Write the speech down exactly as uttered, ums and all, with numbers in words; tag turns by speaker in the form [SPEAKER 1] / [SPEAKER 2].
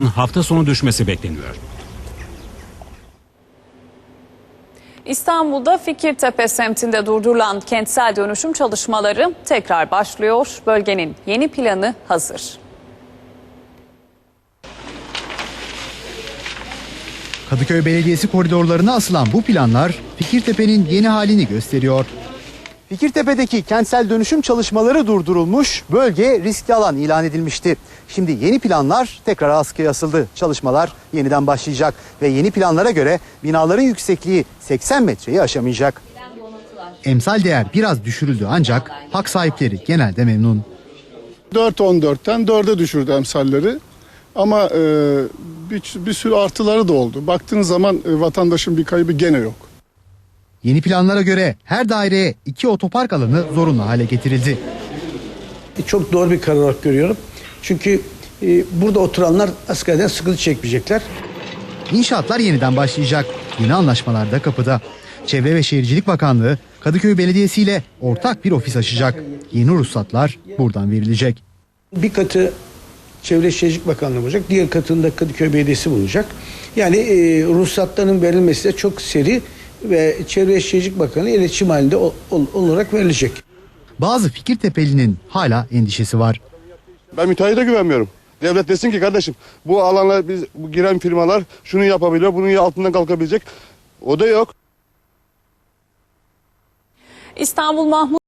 [SPEAKER 1] hafta sonu düşmesi bekleniyor.
[SPEAKER 2] İstanbul'da Fikirtepe semtinde durdurulan kentsel dönüşüm çalışmaları tekrar başlıyor. Bölgenin yeni planı hazır.
[SPEAKER 3] Kadıköy Belediyesi koridorlarına asılan bu planlar Fikirtepe'nin yeni halini gösteriyor. Fikirtepe'deki kentsel dönüşüm çalışmaları durdurulmuş, bölge riskli alan ilan edilmişti. Şimdi yeni planlar tekrar askıya asıldı. Çalışmalar yeniden başlayacak ve yeni planlara göre binaların yüksekliği seksen metreyi aşamayacak. Emsal değer biraz düşürüldü ancak hak sahipleri genelde memnun.
[SPEAKER 4] dört on dörtten dörde düşürdü emsalleri. Ama e, bir, bir sürü artıları da oldu. Baktığınız zaman e, vatandaşın bir kaybı gene yok.
[SPEAKER 3] Yeni planlara göre her daireye iki otopark alanı zorunlu hale getirildi.
[SPEAKER 5] Çok doğru bir karar olarak görüyorum. Çünkü e, burada oturanlar askerden sıkıntı çekmeyecekler.
[SPEAKER 3] İnşaatlar yeniden başlayacak. Yeni anlaşmalar da kapıda. Çevre ve Şehircilik Bakanlığı Kadıköy Belediyesi ile ortak bir ofis açacak. Yeni ruhsatlar buradan verilecek.
[SPEAKER 5] Bir katı Çevre Şehircilik Bakanlığı bulacak. Diğer katında Kadıköy Belediyesi bulacak. Yani e, ruhsatların verilmesi de çok seri ve Çevre Şehircilik Bakanlığı iletişim halinde ol, ol, olarak verilecek.
[SPEAKER 3] Bazı Fikirtepeli'nin hala endişesi var.
[SPEAKER 6] Ben müteahhite güvenmiyorum. Devlet desin ki kardeşim bu alanla biz bu giren firmalar şunu yapabiliyor, bunun altından kalkabilecek. O da yok.
[SPEAKER 2] İstanbul Mahmut